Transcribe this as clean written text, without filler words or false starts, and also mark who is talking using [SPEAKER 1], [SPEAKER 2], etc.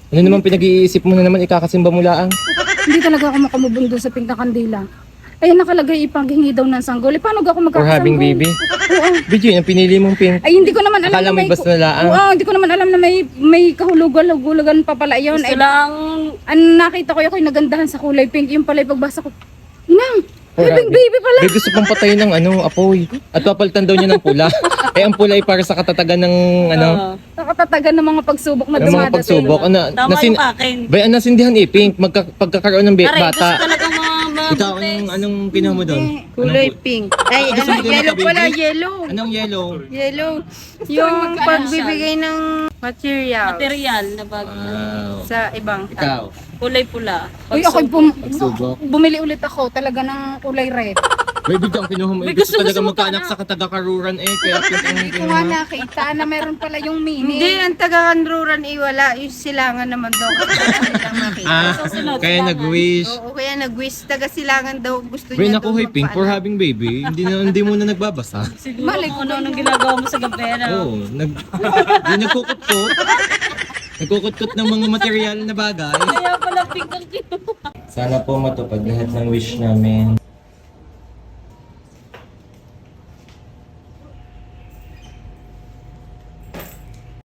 [SPEAKER 1] Ano naman pinag-iisip mo na naman, ikakasimba mo laang?
[SPEAKER 2] Hindi talaga ako makamubong doon sa pink na kandila. Ay, nakalagay ipaghingi daw ng sanggol. Eh, paano ako
[SPEAKER 1] For
[SPEAKER 2] magkakasanggol?
[SPEAKER 1] having baby?
[SPEAKER 2] Oo.
[SPEAKER 1] Video yun, ang pinili mong pink.
[SPEAKER 2] Ay, hindi ko naman alam
[SPEAKER 1] Akala
[SPEAKER 2] na
[SPEAKER 1] may basta na laang.
[SPEAKER 2] Oo, hindi ko naman alam na may kahulugan pa pala yun. Ay,
[SPEAKER 3] lang,
[SPEAKER 2] ang nakita ko yung nagandahan sa kulay pink. Yung pala yung pagbasa ko. Inang,
[SPEAKER 1] For
[SPEAKER 2] having
[SPEAKER 1] having-
[SPEAKER 2] baby pala.
[SPEAKER 1] May gusto pang patayin ng apoy. At papalitan daw niya ng pula. Eh, ang pula ay para sa katatagan ng
[SPEAKER 2] Nakatatagan ng mga pagsubok na
[SPEAKER 1] ng mga
[SPEAKER 2] dumadating.
[SPEAKER 1] pagsubok.
[SPEAKER 3] tama yung akin.
[SPEAKER 1] Bayan nasindihan pink, pagkakaroon ng
[SPEAKER 3] Aray, gusto
[SPEAKER 1] bata.
[SPEAKER 3] talagang mga
[SPEAKER 1] Ikaw, anong kinuha mo doon?
[SPEAKER 4] Kulay pink. Ay,
[SPEAKER 1] Gusto mo din
[SPEAKER 4] yellow
[SPEAKER 1] naka-baby?
[SPEAKER 4] pala, yellow.
[SPEAKER 1] Anong yellow?
[SPEAKER 4] Yellow. Yung pagbibigay ng material
[SPEAKER 3] Material na bag.
[SPEAKER 1] Wow.
[SPEAKER 4] sa ibang
[SPEAKER 1] Ikaw,
[SPEAKER 3] Kulay pula.
[SPEAKER 2] Uy, ako
[SPEAKER 1] pagsubok.
[SPEAKER 2] bumili ulit ako talaga ng kulay red.
[SPEAKER 1] Baby, ang kinuha mo.
[SPEAKER 3] May
[SPEAKER 1] Gusto
[SPEAKER 3] gusto
[SPEAKER 1] talaga
[SPEAKER 3] mo
[SPEAKER 1] magkaanak
[SPEAKER 3] ka
[SPEAKER 1] sa katagakaruran kaya pink ang
[SPEAKER 2] Hindi ko nga
[SPEAKER 1] kinuha.
[SPEAKER 2] nakita na meron pala yung mini.
[SPEAKER 4] Hindi, ang taga-kanruran iwala. Yung silangan naman daw. Kasi lang makita.
[SPEAKER 1] Kaya nag-wish.
[SPEAKER 4] Oo, kaya nag-wish. Taga-silangan daw. Gusto
[SPEAKER 1] Bay,
[SPEAKER 4] niya
[SPEAKER 1] naku, hoy, pink for having baby. Hindi mo na nagbabasa.
[SPEAKER 3] Siguro
[SPEAKER 2] Malay
[SPEAKER 3] kung
[SPEAKER 2] ko
[SPEAKER 3] ano nung ginagawa mo sa gabi.
[SPEAKER 1] Oo, nagkukutkot. Nagkukutkot ng mga material na bagay.
[SPEAKER 3] Kaya pala pink ang kinuha.
[SPEAKER 1] Sana po matupad lahat ng wish namin.